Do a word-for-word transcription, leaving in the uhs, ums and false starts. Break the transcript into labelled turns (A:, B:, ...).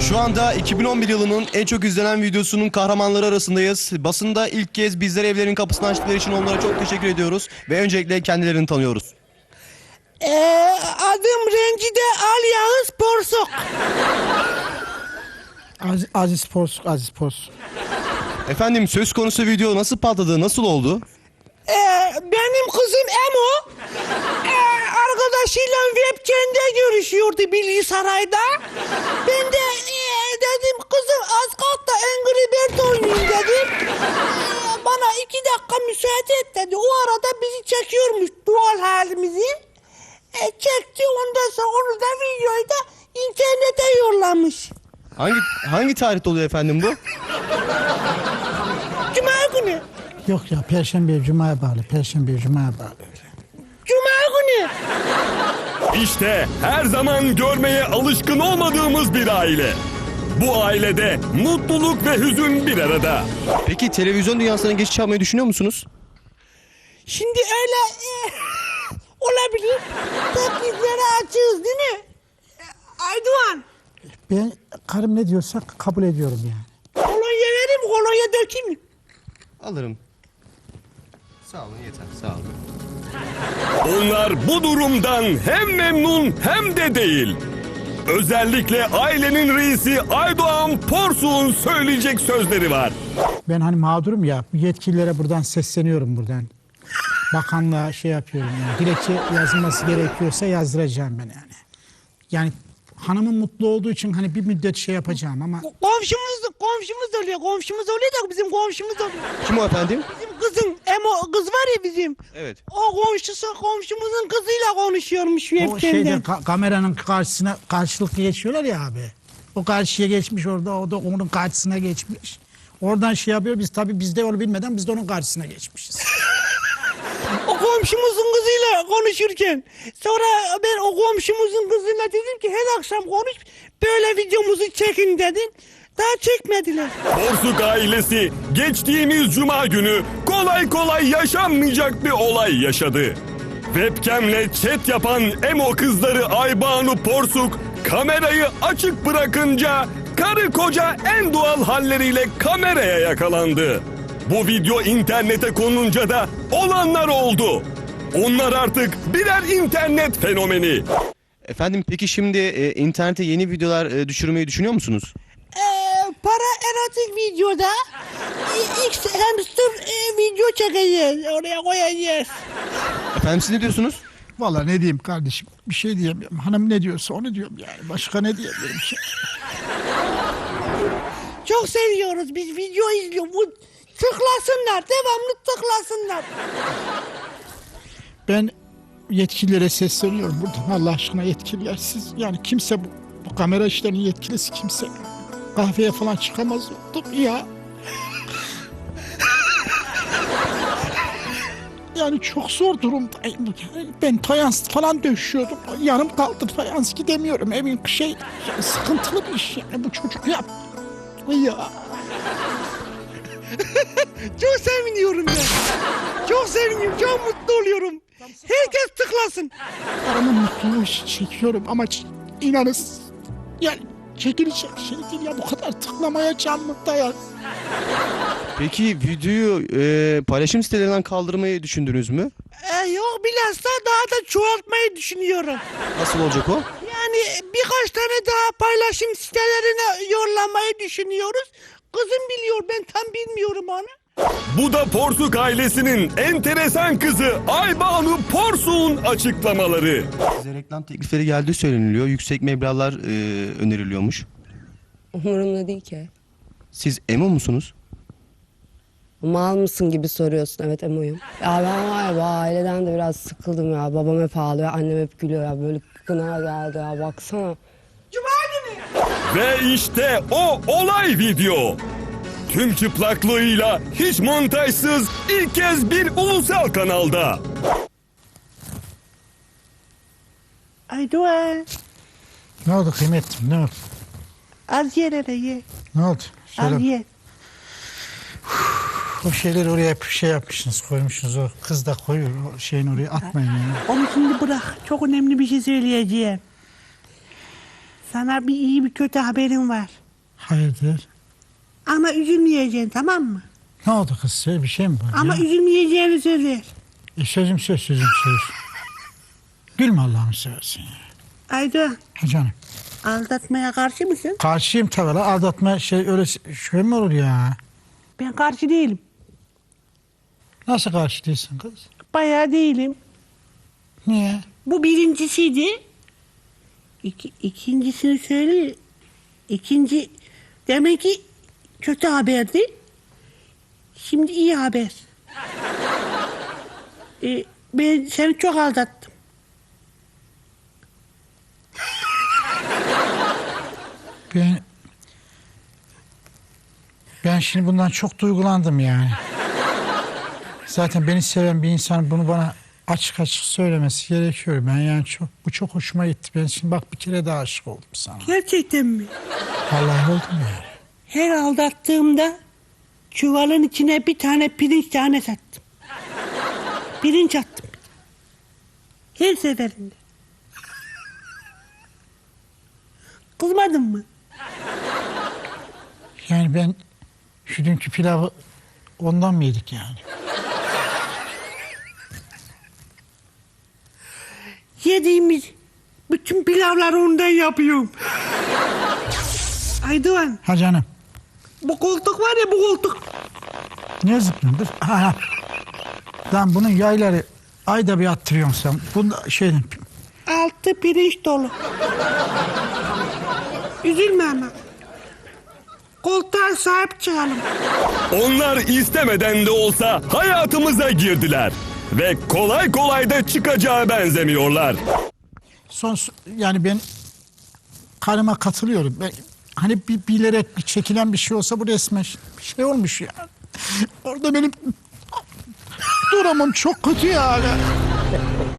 A: Şu anda iki bin on bir yılının en çok izlenen videosunun kahramanları arasındayız. Basında ilk kez bizlere evlerin kapısını açtıkları için onlara çok teşekkür ediyoruz. Ve öncelikle kendilerini tanıyoruz.
B: Ee, adım Rencide Al Yağız Porsuk.
C: Aziz, Aziz Porsuk, Aziz Porsuk.
A: Efendim, söz konusu video nasıl patladı, nasıl oldu?
B: Ee, benim kızım Emo ee, arkadaşıyla webcam'de görüşüyordu Bilgisaray'da. Ben de ee, dedim kızım az kalk da Angry Bird oynayayım dedim. Ee, bana iki dakika müsaade et dedi. O arada bizi çekiyormuş doğal halimizi. E, çekti, ondan sonra onu da videoyu da internete yollamış.
A: Hangi hangi tarihte oluyor efendim bu?
B: Cuma günü.
C: Yok ya, Perşembe Cuma'ya bağlı, Perşembe Cuma'ya bağlı.
B: Cuma günü.
D: İşte her zaman görmeye alışkın olmadığımız bir aile. Bu ailede mutluluk ve hüzün bir arada.
A: Peki televizyon dünyasına geçiş yapmayı düşünüyor musunuz?
B: Şimdi öyle e, olabilir. Teklifleri açığız değil mi? E, Aydoğan.
C: Ben karım ne diyorsa kabul ediyorum yani.
B: Kolonya vereyim, kolonya dökeyim mi?
A: Alırım. Sağ olun, yeter. Sağ olun.
D: Onlar bu durumdan hem memnun hem de değil. Özellikle ailenin reisi Aydoğan Porsuk'un söyleyecek sözleri var.
C: Ben hani mağdurum ya, yetkililere buradan sesleniyorum buradan. Bakanlığa şey yapıyorum yani. Dilekçe yazılması gerekiyorsa yazdıracağım ben yani. Yani hanımın mutlu olduğu için hani bir müddet şey yapacağım ama...
B: Komşumuz, komşumuz oluyor, komşumuz oluyor da bizim komşumuz oluyor.
A: Kim o efendim?
B: Bizim kızın, Emo kız var ya bizim.
A: Evet.
B: O komşusu komşumuzun kızıyla konuşuyormuş
C: O
B: webcam'de.
C: şeyde ka- kameranın karşısına karşılıklı geçiyorlar ya abi. O karşıya geçmiş orada, o da onun karşısına geçmiş. Oradan şey yapıyor, biz tabii biz de onu bilmeden biz de onun karşısına geçmişiz.
B: O komşumuzun kızıyla konuşurken sonra ben o komşumuzun kızıyla dedim ki her akşam konuş böyle videomuzu çekin dedim. Daha çekmediler.
D: Porsuk ailesi geçtiğimiz cuma günü kolay kolay yaşanmayacak bir olay yaşadı. Webcam'le chat yapan emo kızları Aybanu Porsuk kamerayı açık bırakınca karı koca en doğal halleriyle kameraya yakalandı. Bu video internete konunca da olanlar oldu. Onlar artık birer internet fenomeni.
A: Efendim, peki şimdi e, internete yeni videolar e, düşürmeyi düşünüyor musunuz?
B: Ee, para erotik videoda e, X hamster e, video çekeceğiz. Oraya koyacağız.
A: Efendim, siz ne diyorsunuz?
C: Vallahi ne diyeyim kardeşim, bir şey diyemiyorum. Hanım ne diyorsa onu diyorum yani. Başka ne diyebilirim ki?
B: Çok seviyoruz biz video izliyoruz. Bu tıklasınlar, devamlı tıklasınlar.
C: Ben yetkililere sesleniyorum buradan. Allah aşkına yetkililer, siz yani kimse bu, bu kamera işlerinin yetkilisi kimse kahveye falan çıkamaz oldum ya. Yani çok zor durumdayım. Yani ben fayans falan döşüyordum. Yanım kaldı, fayans gidemiyorum. Evin şey yani sıkıntılı bir iş yani bu çocuk yap. Ya.
B: Çok seviniyorum ben. Çok seviniyorum, çok mutlu oluyorum. Herkes tıklasın.
C: Karımın mutluluğu için çekiyorum ama ç- inanız yani çekilecek şey değil ya, bu kadar tıklamaya canlı dayan.
A: Peki videoyu e, paylaşım sitelerinden kaldırmayı düşündünüz mü?
B: Ee, yok bilhassa daha da çoğaltmayı düşünüyorum.
A: Nasıl olacak o?
B: Yani birkaç tane daha paylaşım sitelerine yollamayı düşünüyoruz. Kızım biliyor, ben tam bilmiyorum onu.
D: Bu da Porsuk ailesinin enteresan kızı Aybanu Porsuk'un açıklamaları.
A: Size reklam teklifleri geldiği söyleniliyor. Yüksek meblağlar e, öneriliyormuş.
E: Umurumda değil ki.
A: Siz emo musunuz?
E: Mal mısın gibi soruyorsun. Evet, emoyum. Ya ben var ya bu aileden de biraz sıkıldım ya. Babam hep ağlıyor, annem hep gülüyor ya. Böyle gına geldi ya, baksana.
B: Cuma günü.
D: Ve işte o olay video. Tüm çıplaklığıyla hiç montajsız ilk kez bir ulusal kanalda.
B: Aydoğan,
C: Ne oldu kıymetlim, ne oldu?
B: az yer hele ye.
C: Ne oldu?
B: Az
C: Söyle.
B: ye.
C: O şeyleri oraya bir şey yapmışsınız, koymuşsunuz. O kız da koyuyor, o şeyin oraya atmayın yani.
B: Onu şimdi bırak. Çok önemli bir şey söyleyeceğim. Sana bir iyi bir kötü haberim var.
C: Hayırdır?
B: Ama üzülmeyeceksin, tamam mı?
C: Ne oldu kız? Söyle, bir şey mi var
B: Ama
C: ya?
B: üzülmeyeceğini söz ver.
C: E, sözüm söz, sözüm söz. Gülme Allah'ını seversin ya.
B: Aydoğan,
C: Ha canım.
B: aldatmaya karşı mısın?
C: Karşıyım tabii la. Aldatma şey öyle şey mi olur ya?
B: Ben karşı değilim.
C: Nasıl karşı değilsin kız?
B: Bayağı değilim.
C: Niye?
B: Bu birincisiydi. İki, ikincisini söyle. İkinci demek ki kötü haberdi. Şimdi iyi haber. Ee, ben seni çok aldattım.
C: Ben ben şimdi bundan çok duygulandım yani. Zaten beni seven bir insan bunu bana açık açık söylemesi gerekiyor. Ben yani çok bu çok hoşuma gitti. Ben şimdi bak bir kere daha aşık oldum sana.
B: Gerçekten mi?
C: Vallahi oldum yani.
B: Her aldattığımda çuvalın içine bir tane pirinç tane sattım. Pirinç attım. Her seferinde. Kızmadın mı?
C: Yani ben şu dünkü pilavı ondan mı yedik yani?
B: Yediğimiz bütün pilavları ondan yapıyorum. Aydoğan,
C: Ha canım.
B: bu koltuk var ya, bu koltuk.
C: Ne zıplıyorsun? Dur. Ha, ha. Lan bunun yayları ayda bir attırıyorsun sen. Bunda şeyden
B: Altı pirinç dolu. Üzülme ama. Koltuğa sahip çıkalım.
D: Onlar istemeden de olsa hayatımıza girdiler. Ve kolay kolay da çıkacağı benzemiyorlar.
C: son yani ben karıma katılıyorum. Ben, hani bir bilerek bir çekilen bir şey olsa bu resmen bir şey olmuş ya. Orada benim durumum çok kötü yani.